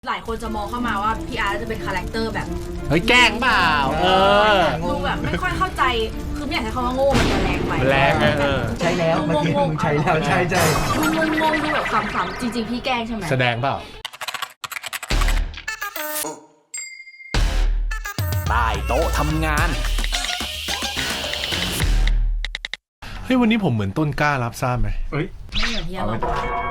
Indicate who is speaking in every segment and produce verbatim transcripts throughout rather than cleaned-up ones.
Speaker 1: หลายคนจะมองเข้ามาว่าพี่อาร์ตจะเป็นคาแรคเตอร์แบบ
Speaker 2: เฮ้ยแกล้งเปล่าเออ
Speaker 1: ดูแบบไม่ค่อยเข้าใจคือไม่อยากใช้คำว่าโง่มันจะแรงไป
Speaker 2: แรงเออ
Speaker 3: ใช่แล้วเมื่อกี้มึงใช่แล้วใช่ใช่
Speaker 1: มึงงงดูแบบขำๆจริงๆพี่แกล้งใช่ไหม
Speaker 2: แสดงเปล่า
Speaker 4: ใต้โต๊ะทำงาน
Speaker 2: เฮ้ยวันนี้ผมเหมือนต้นกล้ารับทราบไหม
Speaker 3: เฮ้ย
Speaker 1: ไม่เหมือนที่เรา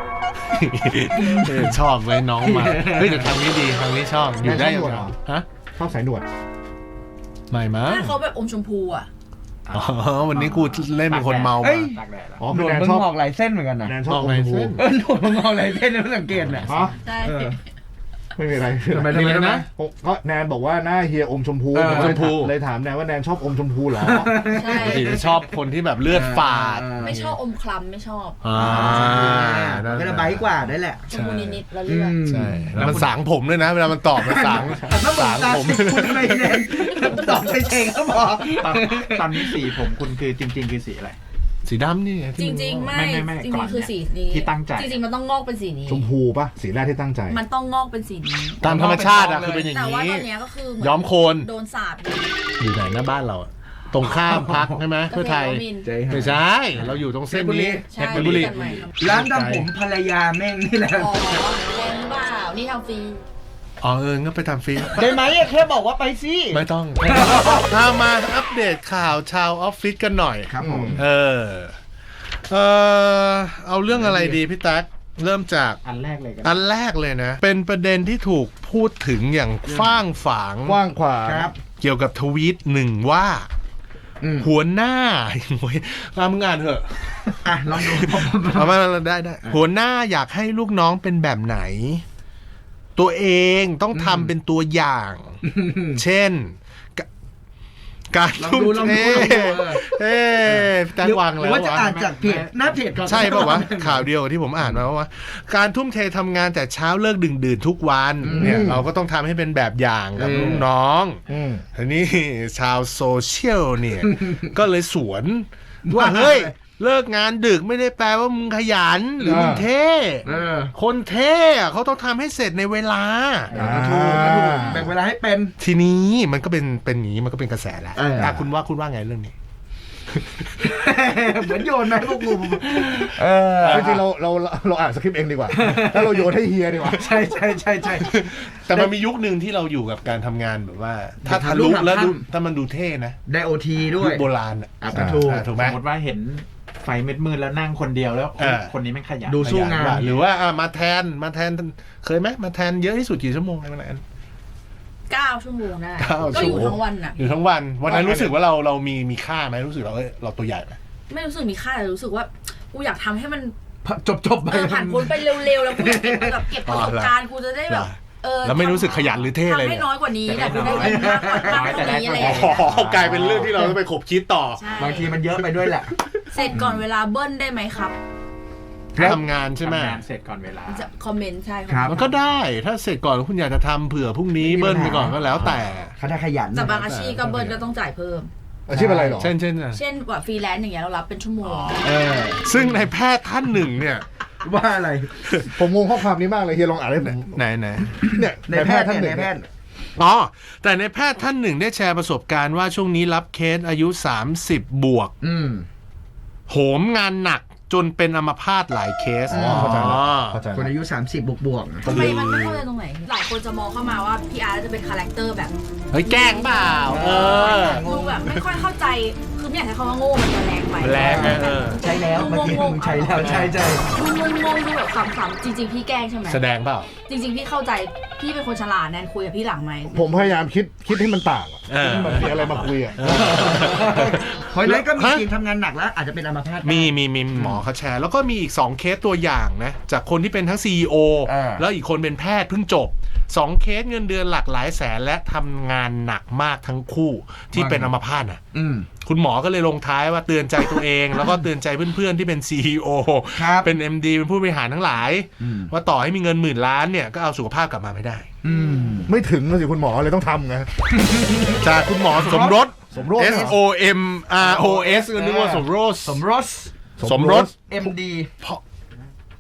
Speaker 2: ชอบไว้น้องมาเฮ้ยแต่ทางนี้ดีทางนี้ชอบอยู่ได้ยังไงฮะ
Speaker 5: ชอบสายหนวด
Speaker 2: ไม่มั้ง
Speaker 1: เขาแบบอมชมพูอ่ะ
Speaker 2: อ๋อวันนี้กูเล่นเป็นคนเมามา
Speaker 3: อ๋อหนวดมึงงอกหลายเส้นเหมือนกันนะ
Speaker 5: แนนชอบอมชมพู
Speaker 3: เออหนวดมึงงอกหลายเส้นแล้วสังเกตเนี่ย
Speaker 1: ใช่
Speaker 5: ไม่มีอะไร
Speaker 3: ทำไมทำไมนะ
Speaker 5: ก็แนนบอกว่าหน้าเฮียอมชมพู
Speaker 2: ชมพู
Speaker 5: เลยถามแนนว่าแนนชอบอมชมพูเหรอ
Speaker 1: ใช่
Speaker 2: ปกติจะชอบคนที่แบบเลือดฝาด
Speaker 1: ไม่ชอบอมคล้ำไม่ชอบ
Speaker 2: อ่า
Speaker 3: ก็จะใบกว่าได้แหละ
Speaker 1: ชมพูนิดๆแล้วเลือด
Speaker 2: ใช่แล้วมันสางผมด้วยนะเวลามันตอบมันสางสางผม
Speaker 3: ไม่แน่ตอบเฉยๆก็พอ
Speaker 6: ตอนนี้สีผมคุณคือจริงๆคือสีอะไร
Speaker 2: สีดำนี่
Speaker 1: จริงๆไม่จริงๆคือสีนี้
Speaker 6: ที่ตั้งใจ
Speaker 1: จริงๆมันต้องงอกเป็นสีนี้
Speaker 5: ชมพูป่ะสีแรกที่ตั้งใจ
Speaker 1: มันต้องงอกเป็นสีนี้
Speaker 2: ตามธรรมชาติอะคือเป็นอย่างนี้
Speaker 1: แต่ว่าตอนนี้ก็คือ
Speaker 2: ย้อมโคลน
Speaker 1: โดนสาด
Speaker 2: อยู่ไหนหน้าบ้านเราตรงข้ามพักใช่ไหมเพื่อไทยไม่ใช่เราอยู่ตรงเส้นนี้
Speaker 1: เพชรบุรี
Speaker 3: ร้านทำผมภรรยาแม่งนี่แหละ
Speaker 1: อ๋อแพงเปล่านี่ทำฟรี
Speaker 2: อ๋อเอองั้นไปทำฟรี
Speaker 3: ได้ไหมแค่บอกว่าไปสิ
Speaker 2: ไม่ต้องเอามาอัปเดตข่าวชาวออฟฟิศกันหน่อย
Speaker 3: ครับผม
Speaker 2: เออเออเอาเรื่องอะไรดีพี่ตั๊กเริ่มจาก
Speaker 6: อันแรกเลยกัน
Speaker 2: อันแรกเลยนะเป็นประเด็นที่ถูกพูดถึงอย่างฟ้างฝาง
Speaker 5: กว้างขวาง
Speaker 2: เกี่ยวกับทวีตหนึ่งว่าหัวหน้าโอ้ยมามึงอ่านเถอะ
Speaker 3: อ่ะลองดู
Speaker 2: เอามาได้ได้หัวหน้าอยากให้ลูกน้องเป็นแบบไหนตัวเองต้องทำเป็นตัวอย่างเช่นการทุ่มเทเฮ้แต่วางแล้ว
Speaker 3: ว่าจะอ่านจากเพจหน้าเพจ
Speaker 2: ใช่ป่าววะข่าวเดียวที่ผมอ่านมาว่าการทุ่มเททำงานแต่เช้าเลิกดึกดื่นทุกวันเนี่ยเราก็ต้องทำให้เป็นแบบอย่างกับลูกน้องทีนี้ชาวโซเชียลเนี่ยก็เลยสวนว่าเฮ้ยเลิกงานดึกไม่ได้แปลว่ามึงขยันหรือมึงเท่คนเท่เขาต้องทำให้เสร็จในเวลา
Speaker 3: ถูกถูกแบ่งเวลาให้เป็น
Speaker 2: ทีนี้มันก็เป็นเป็นอย่างนี้มันก็เป็นกระแสแล้วอ่ะคุณว่าคุณว่าไงเรื่องนี้
Speaker 3: เหมือนโยนไหมพวกกู
Speaker 5: เออจริงๆเราเราเราอ่านสคริปต์เองดีกว่าถ้าเราโยนให้เฮียดีกว่า
Speaker 3: ใช่ใช่ใช่ใช่
Speaker 2: แต่มันมียุคหนึ่งที่เราอยู่กับการทำงานแบบว่าถ้าทะลุแล้วถ้ามันดูเท่นะ
Speaker 3: ได้โอทีด้วย
Speaker 2: โบราณอ่ะ
Speaker 3: ถูก
Speaker 2: ถูกไหม
Speaker 6: สมมติว่าเห็นไฟมืดๆแล้วนั่งคนเดียวแล้วคนนี้ไม่ขยัน
Speaker 3: ดูสู้งาน
Speaker 2: หรือว่ามาแทนมาแทนเคยไหมมาแทนเยอะที่สุดกี่ชั่วโมงอะไรประมาณนั้น
Speaker 1: เก้าชั่วโมงได้ก็อยู่ทั้งวันอ่ะ
Speaker 2: อยู่ทั้งวันวันนั้นรู้สึกว่าเราเรามีมีค่าไหมรู้สึกเราเราตัวใหญ่ไหม
Speaker 1: ไม่รู้สึกมีค่าแต่รู้สึกว่ากูอยากทำให้มัน
Speaker 3: จบจบไป
Speaker 1: ผ่านพ้นไปเร็วๆแล้วกูอยากเก็บแบบเก็บประสบการณ์กูจะได้แบบ
Speaker 2: เออแล้วไม่รู้สึกขยันหรือเท่เลย
Speaker 1: ทำให้น้อยกว่านี้แต่กูได้เงินมากมากกว่านี้อะไรอย่างเงี้ย
Speaker 2: กลายเป็นเรื่องที่เราต้องไปขบคิดต่
Speaker 3: อบางทีมันเยอะไปด้วยแหละ
Speaker 1: เสร็จก่อนเวลาเบิ้ลได้ไหมครับ
Speaker 2: ทำงานใช่ไหม
Speaker 6: ทำงานเสร็จก่อนเวลา
Speaker 1: คอมเมนต์ใช่
Speaker 2: ครับมันก็ได้ถ้าเสร็จก่อนคุณอยากจะทำเผื่อพรุ่งนี้เบิ้ลไปก่อนก็แล้วแต่
Speaker 3: เขาได้ขยัน
Speaker 1: แต่บางอาชีพก็เบิ้ลก็ต้องจ่ายเพิ่ม
Speaker 5: อาชีพอะไรหรอ
Speaker 2: เช่นเช่น
Speaker 1: เช่นแบบฟรีแลนซ์อย่างเงี้ยเรารับเป็นชั่วโมง
Speaker 2: ซึ่งในแพทย์ท่านหนึ่งเนี่ย
Speaker 3: ว่าอะไร
Speaker 5: ผมงงข้อความนี้มากเลยเฮียลองอ่านได้ไหม
Speaker 2: ไหนไหน
Speaker 5: เนี่ย
Speaker 3: ในแพทย์ท่านหนึ่ง
Speaker 2: อ๋อแต่ในแพทย์ท่านหนึ่งได้แชร์ประสบการณ์ว่าช่วงนี้รับเคสอายุสามสิบบวกโหมงานหนักจนเป็นอัมพาตหลายเคส
Speaker 5: อ๋อเข้าใจแล้ว
Speaker 3: คนอายุสามสิบบวกบวก
Speaker 1: ทำไมมันไม่เข้าใจตรงไหนหลายคนจะมองเข้ามาว่าพี่อาร์ตจะเป็นคาแรคเตอร์แบบ
Speaker 2: เฮ้ยแกล้งเปล่าเออ
Speaker 1: ดูแบบไม่ค่อยเข้าใจคือไม่อยากใช้คำว่าโง่มันจะแรงไป
Speaker 2: แรงเออ
Speaker 3: ใช่แล้วเมื่อกี้มึงใช่แล้วใช่ใช่
Speaker 1: มึงงงดูแบบขำๆจริงๆพี่แกล้งใช่ไหม
Speaker 2: แสดงเปล่า
Speaker 1: จริงๆพี่เข้าใจพี่เป็นคนฉลาดแนนคุยกับพี่หลังไหม
Speaker 5: ผมพยายามคิดคิดให้มันต่างมันมีอะไรมาคุยอ่ะ
Speaker 3: เพราะนั้นก็มีทีมทำงานหนักแล้วอาจจะเป็นอัมพาต
Speaker 2: มีมีมีหมอเขาแชร์แล้วก็มีอีกสองเคสตัวอย่างนะจากคนที่เป็นทั้ง ซี อี โอ แล้วอีกคนเป็นแพทย์เพิ่งจบสองเคสเงินเดือนหลักหลายแสนและทำงานหนักมากทั้งคู่ที่เป็นอัมพาตน่ะคุณหมอก็เลยลงท้ายว่าเตือนใจตัวเองแล้วก็เตือนใจเพื่อนๆที่เป็น ซี อี โอ เป็น เอ็ม ดี เป็นผู้บริหารทั้งหลายว่าต่อให้มีเงินหมื่นล้านเนี่ยก็เอาสุขภาพกลับมาไม่ได้
Speaker 5: ไม่ถึงเลยสิคุณหมอเลยต้องทำไง
Speaker 2: จากคุณหมอสมรส
Speaker 5: สมรส
Speaker 2: S O M R O S ก็นึกว่าสมรส
Speaker 3: สมรส
Speaker 2: สมรส
Speaker 3: เอ็ม ดี
Speaker 2: เพราะ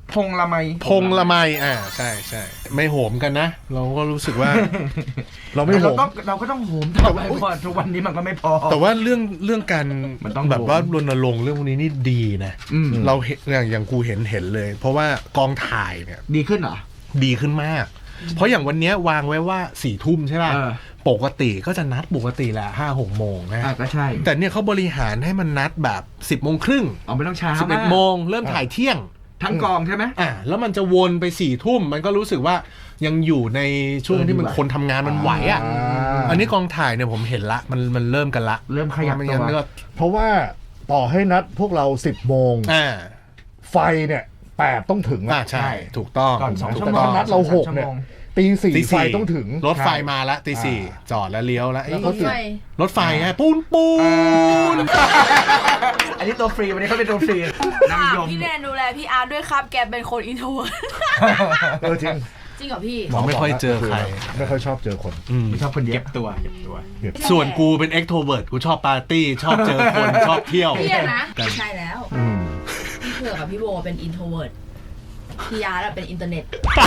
Speaker 3: พงละไม
Speaker 2: พงละไมอ่าใช่ใช่ไม่โหมกันนะ เราก็รู้สึกว่า
Speaker 5: เราไม่
Speaker 3: แต่
Speaker 5: โห
Speaker 3: เรา
Speaker 5: ม
Speaker 3: ต้องเราก็ต้องโหมต่อไปก่อนทุกวันนี้มันก็ไม่พอ
Speaker 2: แต่ว่าเรื่องเรื่องการ
Speaker 3: มันต้อง
Speaker 2: แบบว่ารณรงค์เรื่องพวกนี้นี่ดีนะ
Speaker 3: อืม
Speaker 2: เราเห็นอย่างอย่างกูเห็นเห็นเลย เพราะว่ากองถ่ายเนี่ย
Speaker 3: ดีขึ้นเหรอ
Speaker 2: ดีขึ้นมาก เพราะอย่างวันเนี้ยวางไว้ว่าสี่ทุ่มใช่ป่ะ
Speaker 3: เออ
Speaker 2: ปกติก็จะนัดปกติแหละห้าหกโมงนะ
Speaker 3: อ่ะก็ใช่
Speaker 2: แต่เนี่ยเขาบริหารให้มันนัดแบบสิบโมงครึ่ง
Speaker 3: เอาไม่ต้องช้า
Speaker 2: สิบเอ็ด
Speaker 3: มาก
Speaker 2: โมงเริ่มถ่ายเที่ยง
Speaker 3: ทั้งกองใช่ไหม
Speaker 2: อ่ะแล้วมันจะวนไปสี่ทุ่มมันก็รู้สึกว่ายังอยู่ในช่วงที่มัน
Speaker 3: เออดีว่ะ
Speaker 2: คนทำงานมันไหวอ่ะ
Speaker 5: า
Speaker 2: อันนี้กองถ่ายเนี่ยผมเห็นละมันมันเริ่มกันละ
Speaker 3: เริ่มขยับ
Speaker 2: ไม่
Speaker 3: ตั
Speaker 2: งั้
Speaker 3: วน
Speaker 2: ก็
Speaker 5: เพราะว่าต่อให้นัดพวกเราสิบโมง
Speaker 2: อ่า
Speaker 5: ไฟเนี่ยแปดต้องถึง
Speaker 2: อ่า
Speaker 5: อะ
Speaker 2: ใช่ ถูกต้อง
Speaker 3: ก่อนสอง
Speaker 2: ถู
Speaker 3: ชั่
Speaker 2: ก
Speaker 3: วโม
Speaker 2: ต้
Speaker 3: ง
Speaker 2: อง
Speaker 5: นัดเราหกเนี่ย ตีสี่
Speaker 2: ตี
Speaker 5: ไฟต้องถึง
Speaker 2: รถไฟมาละตีสี่จอดแล้วเลี้ยวแล้ว
Speaker 5: แล้วเขาติด
Speaker 2: รถไฟไงปูนปูน
Speaker 3: อันนี้ตัวฟรีวันนี้เขาเป็นตัวฟรีนางยม
Speaker 1: พี่แนนดูแลพี่อาร์ตด้วยครับแกเป็นคนอินโทรเวิร์ด
Speaker 5: เออจริง
Speaker 1: จริงเหรอพี่
Speaker 2: ผมไม่ค่อยเจอใคร
Speaker 5: ไม่ค่อยชอบเจอคน
Speaker 2: อืม
Speaker 3: ชอบคนเย
Speaker 6: เก็
Speaker 3: อะ
Speaker 6: บตัวเก็บตัว
Speaker 2: ส่วนกูเป็น extrovert กูชอบปาร์ตี้ ชอบเจอคน ชอบเที่ยว
Speaker 1: พี่อะนะไม่ใช่แล้ว
Speaker 5: อืม
Speaker 1: พี่เผือกกับพี่โบเป็นอินโทรเวิร์ดพี่อาร์ตอะเป็นอินเทอร์เน็ต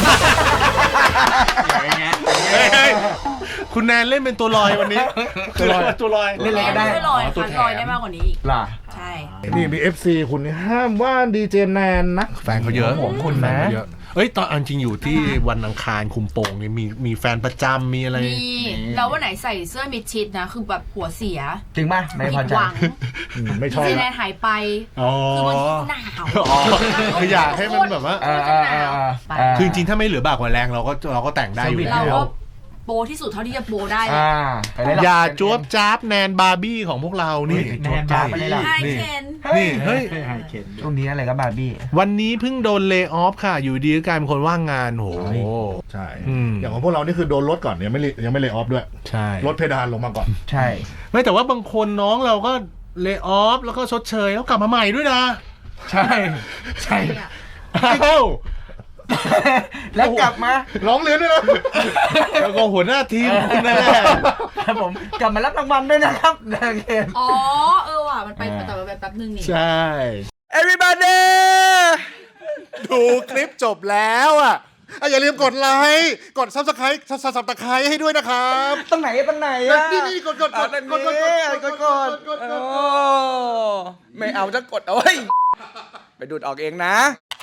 Speaker 2: เฮ้ยเฮ้ยคุณแนนเล่นเป็นตัวลอยวันนี้
Speaker 5: ตัวลอย
Speaker 2: ตัวลอย
Speaker 3: เล่นอะไรก็ได้
Speaker 1: ไม่ลอย
Speaker 2: ตัว
Speaker 1: ค่ะ
Speaker 2: แถม
Speaker 1: ลอยได้มากกว่านี้อีก
Speaker 3: ล่ะ
Speaker 1: ใช่
Speaker 5: นี่มี เอฟ ซี คุณนี่ห้ามว่าดีเจแนนนะ
Speaker 2: แฟนเขาเยอะ
Speaker 3: ห่วงคุณนะ
Speaker 2: แฟเขาเยอเอ้ยตอนอันจริงอยู่ที่วันอังคารคุมโปงเนี่ยมีมีแฟนประจำมีอะไร
Speaker 1: มีแล้ววันไหนใส่เสื้อมิดชิดนะ คือแบบหัวเสีย
Speaker 3: จริงป่ะไม่
Speaker 1: ผิ
Speaker 3: พอ
Speaker 1: ด
Speaker 3: ใจ
Speaker 1: หวัง
Speaker 5: อืมไม่ชอบ
Speaker 1: พี่แน
Speaker 5: ละ
Speaker 1: นหายไป
Speaker 2: อ๋อ
Speaker 1: คือบางทีหนาว
Speaker 2: อ๋อคืออยากให้มันแบบว่า
Speaker 3: เออเออเออเออ
Speaker 1: ไป
Speaker 2: คือจริงๆถ้าไม่เหลือบากกว่าแรงเราก็เราก็แต่งได้อยู่
Speaker 1: เรา
Speaker 2: แล้ว
Speaker 1: ก็โปรที่สุดเท่าที่จะโปรได้เลย
Speaker 3: อ่าไปเลย
Speaker 2: อย่าจ้วบจ้าบแนนบาร์บี้ของพวกเรานี่
Speaker 6: แนนบาร์บี้
Speaker 1: ไฮ
Speaker 2: นี่
Speaker 1: เคน
Speaker 2: นี่เฮ้ย
Speaker 6: ไฮเคน
Speaker 3: ช่วงนี้อะไรก็บาร์บี้
Speaker 2: วันนี้เพิ่งโดนเล y o ออฟค่ะ อยู่ดีก็กลายเป็นคนว่างงานโห
Speaker 5: ใช่
Speaker 2: อืม
Speaker 5: อย่างของพวกเรานี่คือโดนลดก่อนยังไม่เลยังไม่เล y o ออฟด้วย
Speaker 2: ใช่
Speaker 5: ลดเพดานลงมาก่อน
Speaker 3: ใช่
Speaker 2: ไม่แต่ว่าบางคนน้องเราก็เล y o ออฟแล้วก็ชดเชยแล้วกลับมาใหม่ด้วยนะ
Speaker 3: ใช่ใช่
Speaker 2: อ้าว
Speaker 3: แล้วกลับมา
Speaker 5: ร้องเรียนด้วยนะ
Speaker 2: แล้วก็หัวหน้าทีมคุณนั่นแหละ
Speaker 3: ครับผมกลับมารับรางวัลด้วยนะครับนางเกม
Speaker 1: อ๋อ เออว่ะ มันไปแต่ว่าไปแป๊บนึงนี่
Speaker 2: ใช่
Speaker 3: everybody
Speaker 5: ดูคลิปจบแล้วอ่ะอ่ะอย่าลืมกดไลค์กดซับสไครต์ซับซับสไครต์ให้ด้วยนะครับ
Speaker 3: ตรงไหนตรงไหนอ่ะ
Speaker 5: นี่นี่กดกดกด
Speaker 3: อ่ะ
Speaker 5: กดกดกด
Speaker 3: กดกดกดโอ้ไม่เอาจะกดเอาไว้ยไปดูดออกเองนะ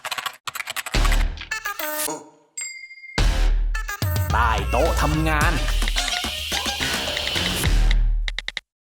Speaker 4: ใต้โต๊ะทำงาน